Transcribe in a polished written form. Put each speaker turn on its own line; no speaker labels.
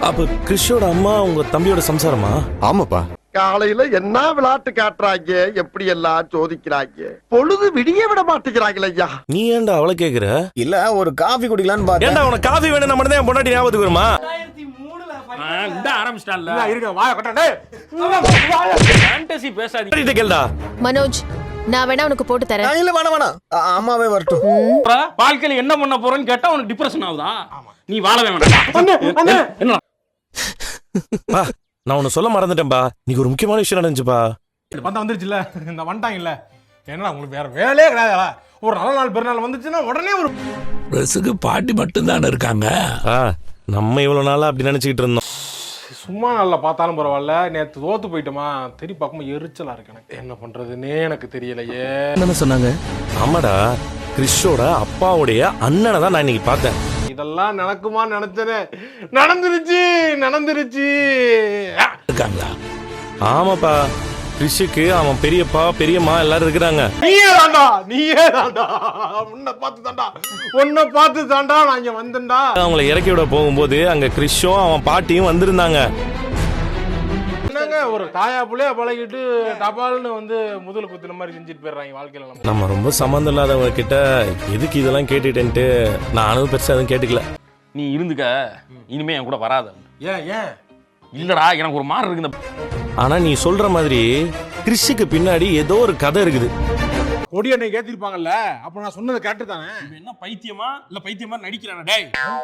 அப்ப கிறிஷோட அம்மா உங்க தம்பியோட சம்சாரமா?
ஆமாப்பா.
காலையில என்ன விளையாட்டு காட்டுறாங்க, எப்படி எல்லாம் சோதிக்கிறாங்க, பொழுது விடிய விட மாட்டேங்கிறாங்களே ஐயா.
நீ ஏன்டா அவளை கேக்குற?
இல்ல ஒரு காபி குடிக்கலான்னு பார்த்தேன்.
ஏன்டா உனக்கு காஃபி வேணும் மட்டும் தான் பொண்டாட்டி ஞாபகத்துக்கு வருமா? கேளுடா
மனோஜ், நான் வேணா உனக்கு போட்டு தரேன்.
இல்ல வேணாம் அம்மாவே வரட்டும்.
வாழ்க்கையில என்ன பண்ண போறேன்னு கேட்டா உனக்கு டிப்ரெஷன் ஆகுதா? நீ வாழவே வேண்டாம். என்ன
பா, நான் உன்னை சொல்ல மறந்துட்டேன்பா. நீங்க ஒரு முக்கியமான விஷயம் நடந்துச்சுப்பா.
பார்த்தா வந்துருச்சுல்ல, இந்த வந்துட்டாங்கல்ல. என்னடா உங்களுக்கு வேற வேலையே கிடையாதா? ஒரு நல்ல நாள் பெருநாள் வந்துச்சுன்னா உடனே ஒரு
ட்ரெஸ்ஸுக்கு பாட்டி மட்டும் தானே இருக்காங்க.
நம்ம இவ்வளவு நாளா அப்படி நினைச்சுக்கிட்டு இருந்தோம்.
சும்மா நல்லா பார்த்தாலும் பரவாயில்ல. நேற்று தோத்து போயிட்டோமா, திருப்பி பார்க்கும்போது எரிச்சலா இருக்கு எனக்கு. என்ன பண்றதுன்னே எனக்கு தெரியலையே.
என்ன சொன்னாங்க?
ஆமாடா, கிறிஷோட அப்பாவுடைய அண்ணனை தான் நான் இன்னைக்கு பார்த்தேன்.
இதெல்லாம் நடக்குமா நினைச்சனே, நடந்துருச்சு.
இருக்காங்களா?
ஆமாப்பா, கிறிஷுக்கு அவன் பெரியப்பா பெரியம்மா எல்லாரும் இருக்கிறாங்க.
நீயே தாண்டா உன்னை பார்த்து தாண்டா நான் இங்க வந்தேன்டா.
அவங்களை இறக்கி விட போகும்போது அங்க கிறிஷும் அவன் பாட்டியும் வந்திருந்தாங்க.
என்னங்க ஒரு தாயா புள்ளைய பழகிட்டு டபால்னு வந்து முதல் குத்துன மாதிரி செஞ்சுட்டு போயிடுறாங்க வாழ்க்கையில.
நம்ம ரொம்ப சம்மந்தம் இல்லாதவங்க கிட்ட எதுக்கு இதெல்லாம் கேட்டுட்டேன்ட்டு நானும் பெருசா எதுவும் கேட்டுக்கல.
நீ இருந்துக்க, இனிமே என் கூட வராத.
ஏன்
இல்லடா, எனக்கு ஒரு மாதிரி இருக்கு.
ஆனா நீ சொல்ற மாதிரி கிறிஷுக்கு பின்னாடி ஏதோ ஒரு கதை இருக்குது.
கொடி அன்னைக்கு ஏத்திருப்பாங்கல்ல, அப்ப நான் சொன்னதை கேட்டு தானே.
என்ன பைத்தியமா இல்ல பைத்தியமா நடிக்கிறானே டேய்?